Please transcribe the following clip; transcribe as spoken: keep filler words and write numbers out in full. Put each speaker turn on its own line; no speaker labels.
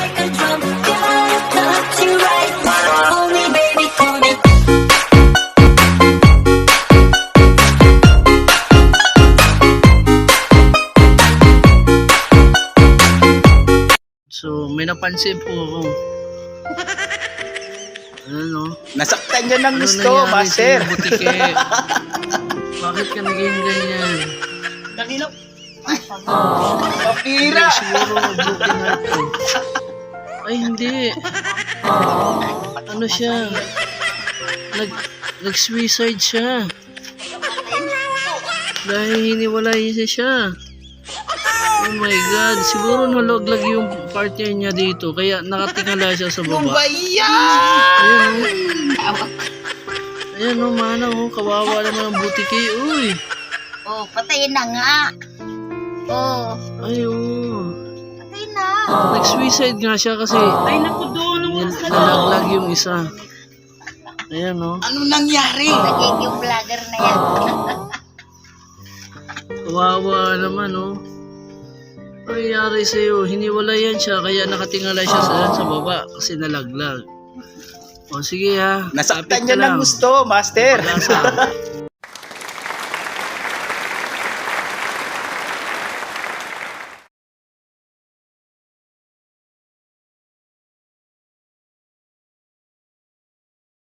like a drum. Gotta touch you right. Call me, baby, call me.
So, may napansin po ako. Ano?
Nasaktan niya ng
Ano
gusto,
nangyari
master.
sa'yo, butike? Bakit ka naging ganyan?
Kanina. Kapira.
Siguro broken heart ko. Ay, hindi. Ano siya? Nag, nag-suicide siya. Dahil hiniwalay siya siya. Oh my God. Siguro nalaglag yung partner niya dito. Kaya nakatingala siya sa
Yung
baba.
bayan.
Ayan o. Ayan o, manang o. Kawawa naman ang butike. Uy.
Oh, patayin na nga. Oh,
Ay o.
patayin na.
Nag-suicide nga siya kasi
Ay, naku doon.
nil- nalaglag yung isa. Ayan o.
Ano nangyari?
Nagiging vlogger na yan.
Kawawa naman o. Ano nangyari sa'yo? Hiniwalayan siya kaya nakatingala siya sa, sa baba kasi nalaglag. O sige ha.
Nasaktan
Kapit
niya
ka
ng
lang.
gusto, master.
Pag-asa.